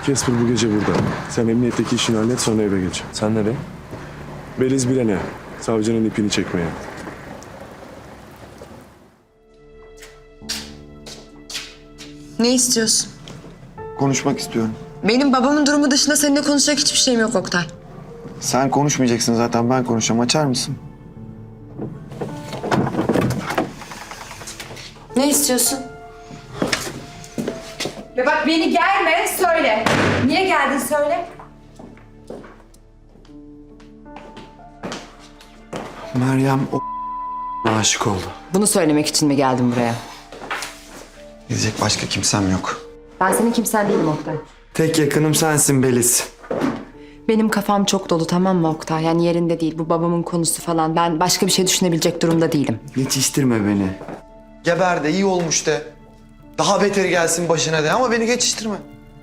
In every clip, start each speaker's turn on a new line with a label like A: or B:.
A: Casper bu gece burada. Sen emniyetteki işini hallet, sonra eve geç.
B: Sen nereye?
A: Beliz bilene. Savcının ipini çekmeye.
C: Ne istiyorsun?
D: Konuşmak istiyorum.
C: Benim babamın durumu dışında seninle konuşacak hiçbir şeyim yok Oktay.
D: Sen konuşmayacaksın zaten, ben konuşacağım. Açar mısın?
C: Ne istiyorsun?
E: Ve bak beni gelme söyle. Niye geldin söyle.
D: Meryem o aşık oldu.
C: Bunu söylemek için mi geldin buraya?
D: Gidecek başka kimsem yok.
C: Ben senin kimsen değilim Oktay.
D: Tek yakınım sensin Beliz.
C: Benim kafam çok dolu, tamam mı Oktay? Yani yerinde değil, bu babamın konusu falan. Ben başka bir şey düşünebilecek durumda değilim.
D: Geçiştirme beni. Geber de iyi olmuş de. Daha beteri gelsin başına de ama beni geçiştirme.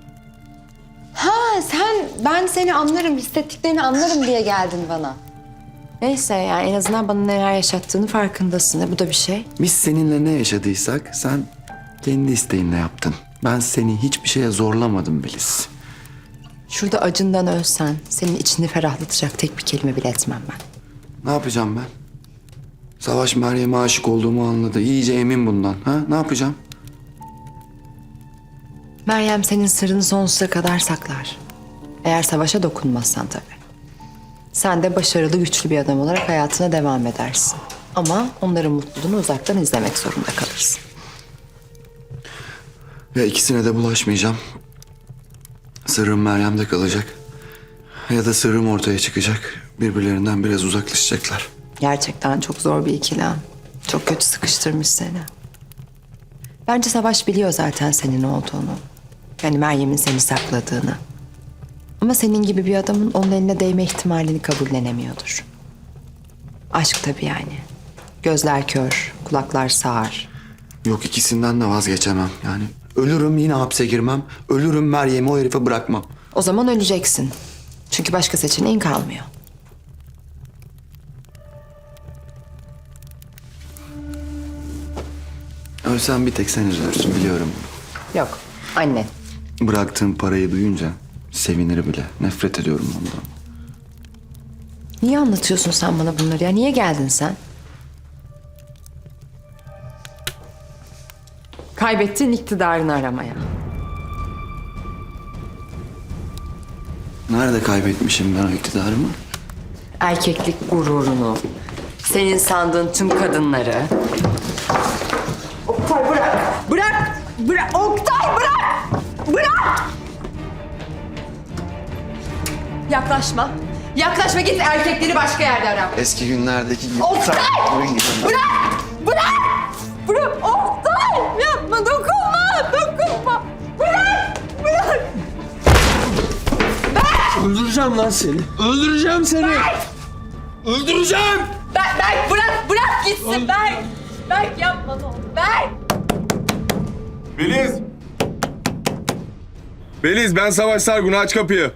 C: Ben seni anlarım, hissettiklerini anlarım diye geldin bana. Neyse yani en azından bana neler yaşattığını farkındasın. Bu da bir şey.
D: Biz seninle ne yaşadıysak sen kendi isteğinle yaptın. Ben seni hiçbir şeye zorlamadım Beliz.
C: Şurada acından ölsen senin içini ferahlatacak tek bir kelime bile etmem ben.
D: Ne yapacağım ben? Savaş Meryem'e aşık olduğumu anladı. İyice emin bundan. Ha? Ne yapacağım?
C: Meryem senin sırrını sonsuza kadar saklar. Eğer savaşa dokunmazsan tabii. Sen de başarılı, güçlü bir adam olarak hayatına devam edersin. Ama onların mutluluğunu uzaktan izlemek zorunda kalırsın.
D: Ya ikisine de bulaşmayacağım. Sırrım Meryem'de kalacak. Ya da sırrım ortaya çıkacak. Birbirlerinden biraz uzaklaşacaklar.
C: Gerçekten çok zor bir ikilem. Çok kötü sıkıştırmış seni. Bence Savaş biliyor zaten senin olduğunu. Yani Meryem'in seni sakladığını. Ama senin gibi bir adamın onun eline değme ihtimalini kabullenemiyordur. Aşk tabii yani. Gözler kör, kulaklar sağır.
D: Yok, ikisinden de vazgeçemem. Yani ölürüm yine hapse girmem. Ölürüm Meryem'i o herife bırakmam.
C: O zaman öleceksin. Çünkü başka seçeneğin kalmıyor.
D: Ölsem bir tek sen üzülürsün biliyorum.
C: Yok, anne.
D: Bıraktığım parayı duyunca sevinir bile. Nefret ediyorum ondan.
C: Niye anlatıyorsun sen bana bunları ya? Niye geldin sen? Kaybettiğin iktidarını aramaya.
D: Nerede kaybetmişim ben o iktidarımı?
C: Erkeklik gururunu, senin sandığın tüm kadınları. Oktay bırak! Bırak! Bırak! Oktay bırak! Bırak! Yaklaşma. Yaklaşma, git erkekleri başka yerde ara.
D: Eski günlerdeki gibi.
C: Oktay!
D: Bırakın gidin.
C: Bırak! Bırak! Bırak! Oktay! Yapma, dokunma! Dokunma! Bırak! Bırak!
B: Öldüreceğim lan seni. Öldüreceğim seni. Öldüreceğim.
C: Berk bırak! Bırak gitsin Berk! Berk yapma ne olur. Berk!
A: Beliz! Beliz, ben Savaş Sargun, aç kapıyı.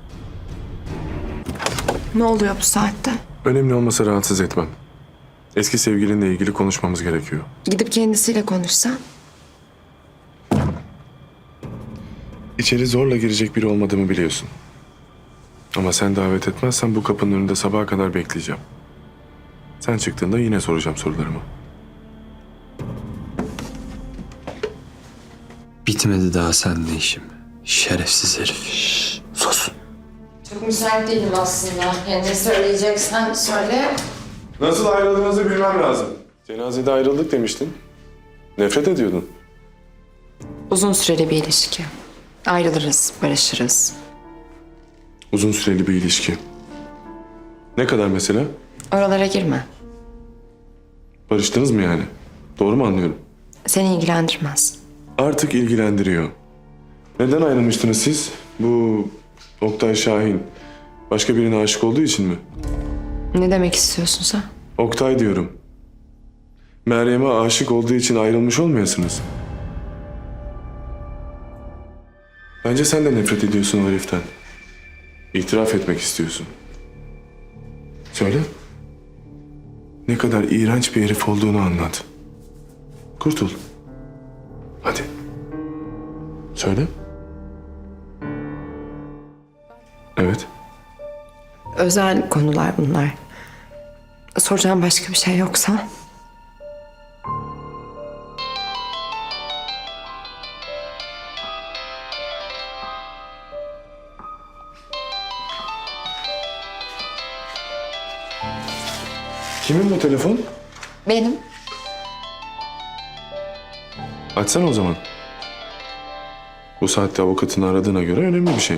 C: Ne oluyor bu saatte?
A: Önemli olmasa rahatsız etmem. Eski sevgilinle ilgili konuşmamız gerekiyor.
C: Gidip kendisiyle konuşsan.
A: İçeri zorla girecek biri olmadığımı biliyorsun. Ama sen davet etmezsen bu kapının önünde sabaha kadar bekleyeceğim. Sen çıktığında yine soracağım sorularımı.
B: Bitmedi daha seninle işim. Şerefsiz herif. Şşş, sus.
C: Çok müsait değilim aslında. Yani ne söyleyeceksen söyle.
A: Nasıl ayrıldığınızı bilmem lazım. Cenazede ayrıldık demiştin. Nefret ediyordun.
C: Uzun süreli bir ilişki. Ayrılırız, barışırız.
A: Uzun süreli bir ilişki. Ne kadar mesela?
C: Oralara girme.
A: Barıştınız mı yani? Doğru mu anlıyorum?
C: Seni ilgilendirmez.
A: Artık ilgilendiriyor. Neden ayrılmıştınız siz? Bu Oktay Şahin başka birine aşık olduğu için mi?
C: Ne demek istiyorsun sen?
A: Oktay diyorum. Meryem'e aşık olduğu için ayrılmış olmayasınız. Bence sen de nefret ediyorsun o heriften. İtiraf etmek istiyorsun. Söyle. Ne kadar iğrenç bir herif olduğunu anlat. Kurtul. Hadi. Söyle. Evet.
C: Özel konular bunlar. Soracağım başka bir şey yoksa.
A: Kimin bu telefon?
C: Benim.
A: Açsana o zaman. Bu saatte avukatını aradığına göre önemli bir şey.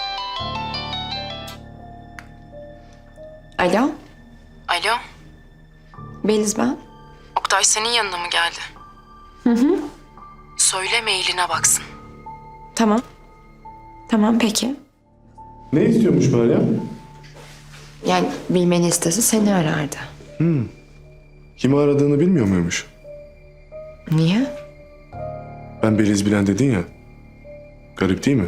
C: Alo,
F: Alo,
C: Beliz ben.
F: Oktay senin yanına mı geldi? Hı. Söyle mailine baksın.
C: Tamam. Tamam peki.
A: Ne istiyormuş Meryem?
C: Yani bilmeni istese seni arardı.
A: Kimi aradığını bilmiyor muymuş?
C: Niye?
A: Ben Beliz Bilen dedin ya. Garip değil mi?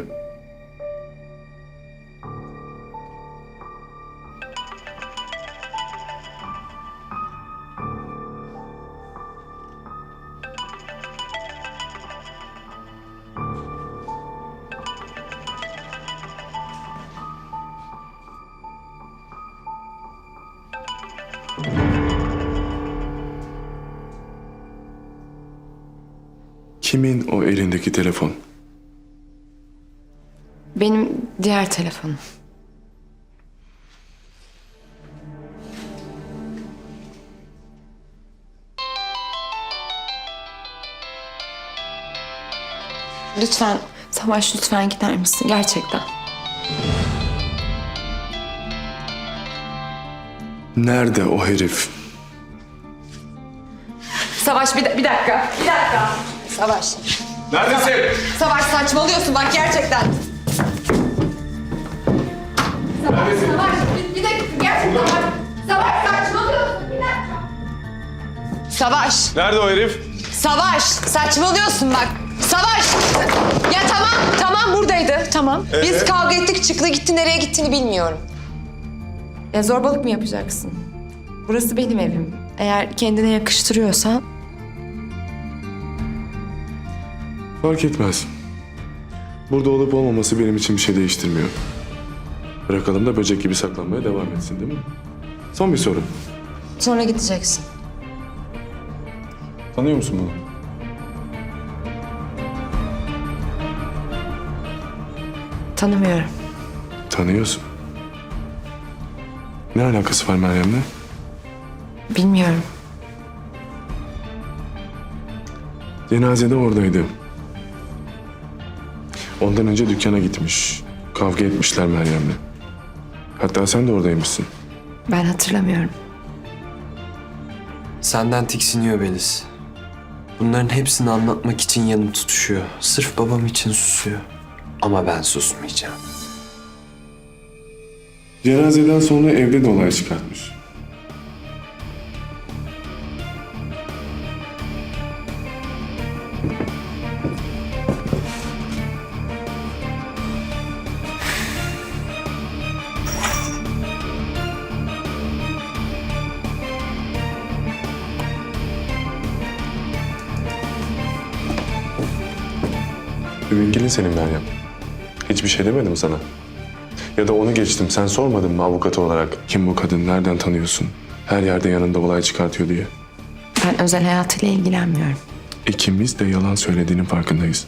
A: Kimin o elindeki telefon?
C: Benim diğer telefonum. Lütfen Savaş, lütfen gider misin gerçekten?
A: Nerede o herif?
E: Savaş bir dakika. Bir dakika. Savaş.
A: Neredesin?
E: Savaş saçmalıyorsun bak gerçekten. Savaş bir dakika gerçekten bak. Savaş saçmalıyorsun bir dakika. Savaş.
A: Nerede o herif?
E: Savaş saçmalıyorsun bak. Savaş. Ya tamam buradaydı tamam. Biz kavga ettik çıktı gitti nereye gittiğini bilmiyorum.
C: Ya zorbalık mı yapacaksın? Burası benim evim. Eğer kendine yakıştırıyorsan
A: Fark etmez. Burada olup olmaması benim için bir şey değiştirmiyor. Bırakalım da böcek gibi saklanmaya devam etsin değil mi? Son bir soru.
C: sonra gideceksin.
A: Tanıyor musun bunu?
C: Tanımıyorum.
A: Tanıyorsun. Ne alakası var Meryem'le?
C: Bilmiyorum.
A: Cenazede oradaydı. Ondan önce dükkana gitmiş. Kavga etmişler Meryem'le. Hatta sen de oradaymışsın.
C: Ben hatırlamıyorum.
B: Senden tiksiniyor Beliz. Bunların hepsini anlatmak için yanım tutuşuyor. Sırf babam için susuyor. Ama ben susmayacağım.
A: Cenazeden sonra evde de olay çıkartmış. Müvekkilin senin Meryem. Hiçbir şey demedim sana. Ya da onu geçtim. Sen sormadın mı avukat olarak? Kim bu kadın? Nereden tanıyorsun? Her yerde yanında olay çıkartıyor diye.
C: Ben özel hayatıyla ilgilenmiyorum.
A: İkimiz de yalan söylediğinin farkındayız.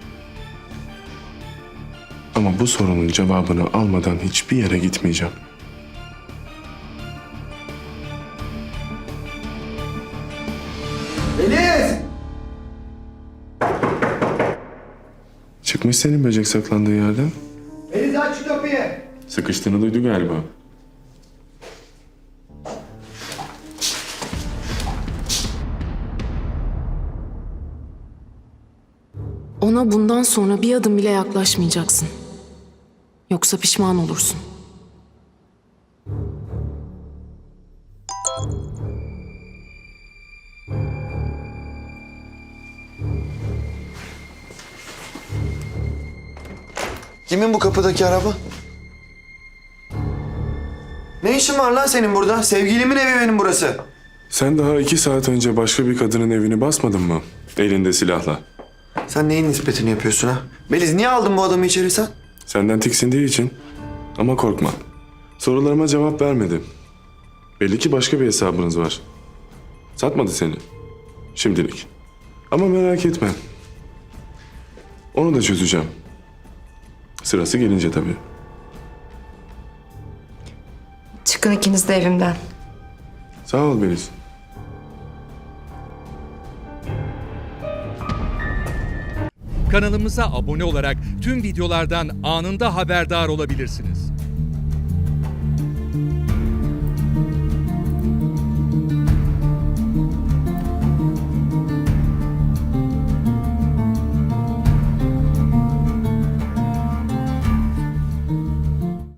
A: Ama bu sorunun cevabını almadan hiçbir yere gitmeyeceğim.
D: Beliz!
A: Çıkmış senin böcek saklandığı yerden.
D: Beliz aç şu kapıyı.
A: Sıkıştığını duydu galiba.
G: Ona bundan sonra bir adım bile yaklaşmayacaksın. Yoksa pişman olursun.
D: Kimin bu kapıdaki araba? Ne işin var lan senin burada? Sevgilimin evi benim burası.
A: Sen daha 2 saat önce başka bir kadının evini basmadın mı? Elinde silahla.
D: Sen neyin nispetini yapıyorsun ha? Beliz niye aldın bu adamı içeri sen?
A: Senden tiksindiği için Ama korkma. Sorularıma cevap vermedi. Belli ki başka bir hesabınız var. Satmadı seni. Şimdilik. Ama merak etme. Onu da çözeceğim. Sırası gelince tabii.
C: Çıkın ikiniz de evimden.
A: Sağ ol Beliz.
H: Kanalımıza abone olarak tüm videolardan anında haberdar olabilirsiniz.